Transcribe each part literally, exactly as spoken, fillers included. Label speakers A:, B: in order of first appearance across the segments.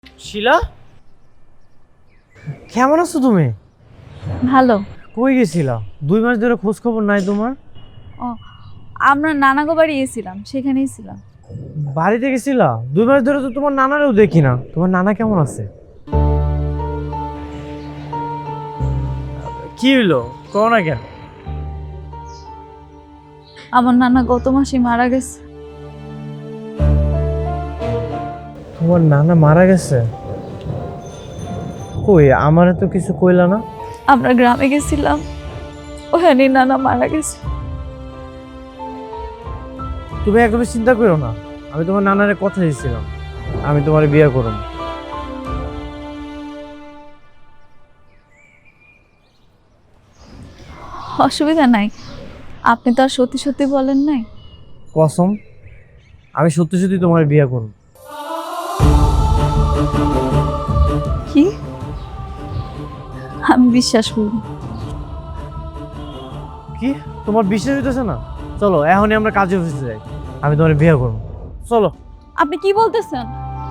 A: শিলা, কেমন আছো তুমি?
B: ভালো।
A: কই গেছিলা? দুই মাস ধরে খোঁজ খবর নাই তোমার।
B: ও, আমরা নানাগো বাড়ি গেছিলাম, সেখানেই ছিলাম।
A: বাড়িতে গেছিলা? দুই মাস ধরে তো তোমার নানারেও দেখি না। তোমার নানা কেমন আছে? কি হইলো, কও না কেন?
B: আমার নানা গত মাসে মারা গেছে।
A: তোমার নানা মারা গেছে? কই, আমারে তো কিছু কইলা না।
B: আমরা গ্রামে গেছিলাম, ওখানে নানা মারা গেছে।
A: তুমি একদম চিন্তা করো না, আমি তোমার নানারে কথা দিয়েছিলাম আমি তোমার বিয়ে করব।
B: অসুবিধা নাই, আপনি তো আর সত্যি সত্যি বলেন নাই।
A: কসম, আমি সত্যি সত্যি তোমার বিয়ে করব।
B: কি? আমি বিশ্বাস করি।
A: কি, তোমার বিশ্বাস হইতেছে না? চলো এখনই আমরা কাজে অফিসে যাই, আমি তোমার বিয়ে করব। চলো।
B: আপনি কি বলতেছেন?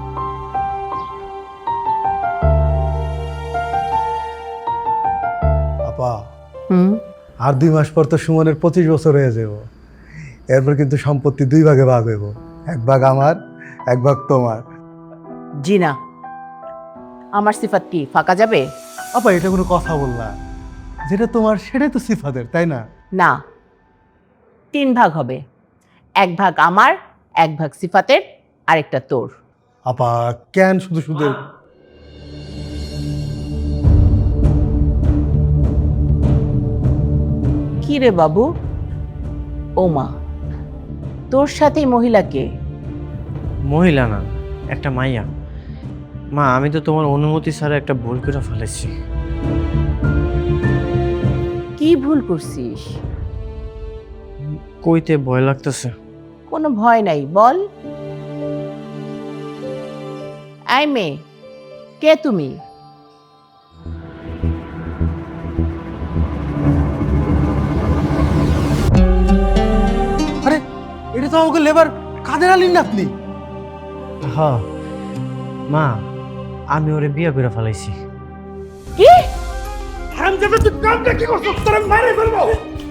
C: আপা,
D: হুম
C: আর দুই মাস পর তো সুমনের পঁচিশ বছর হয়ে যাব। এরপর কিন্তু সম্পত্তি দুই ভাগে ভাগ হইব, এক ভাগ আমার, এক ভাগ তোমার।
D: জি না, আমার সিফাত কি ফাঁকা যাবে?
C: আপা, এটা কোনো কথা বললা? যেটা তোমার সেটাই তো সিফাতের, তাই না?
D: না, তিন ভাগ হবে। এক ভাগ আমার, এক ভাগ সিফাতের, আরেকটা তোর।
C: আপা, কেন শুধু শুধু?
D: কি রে বাবু? ও মা, তোর সাথে মহিলাকে?
A: মহিলা না, একটা মাইয়া। মা, আমি তো তোমার অনুমতি ছাড়া একটা ভুল করে ফেলেছি।
D: কি ভুল করছিস?
A: কইতে ভয় লাগতেছে।
D: কোনো ভয় নাই, বল। আই মেয়ে, কে তুমি?
C: আরে, এটা তো আমাকে লেবার কাদের আলীর নাতনি।
A: হ্যাঁ মা, আমি ওরে বিয়ে করে ফেলাইছি।
D: কি?
C: হারামজাদা, তুই কামটা কি করছিস? তোর আমি মাইরে ফেলবো।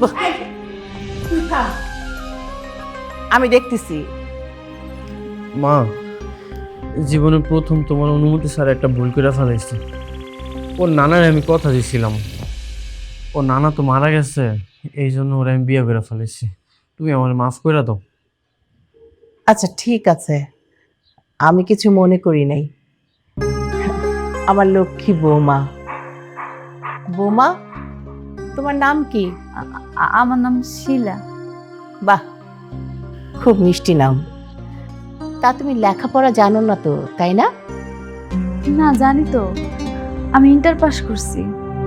D: আমি দেখতেছি।
A: মা, জীবনে প্রথম তোমার অনুমতি ছাড়া একটা ভুল করে ফেলাইছি। ওর নানার আমি কথা দিয়েছিলাম, ও নানা তো মারা গেছে, এই জন্য ওরা আমি বিয়ে করে ফেলেছি। তুমি আমার মাফ করে দাও।
D: আচ্ছা ঠিক আছে, আমি কিছু মনে করি নাই। আমার লক্ষ্মী বৌমা। বৌমা, তোমার নাম কি?
B: আ- আ- আমার নাম শিলা।
D: বাহ, খুব মিষ্টি নাম। তা তুমি লেখাপড়া জানো না তো, তাই না?
B: না, জানি তো, আমি ইন্টার পাস করছি।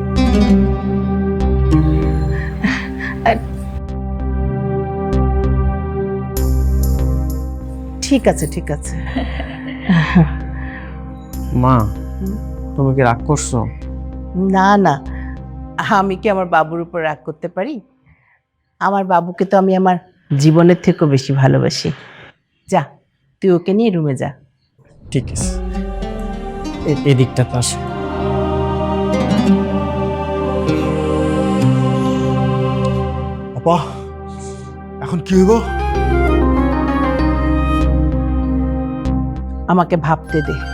D: ঠিক আছে ঠিক আছে।
A: মা, তুমি কি রাগ করছো?
D: না না, আমি কি আমার বাবুর উপর রাগ করতে পারি? আমার বাবুকে তো আমি আমার জীবনের থেকেও বেশি ভালোবাসি। যা, তুই ওকে নিয়ে রুমে যা।
A: ঠিক আছে, এ- এদিকটা তো আসো।
C: আপা, এখন কি হইব?
D: আমাকে ভাবতে দে।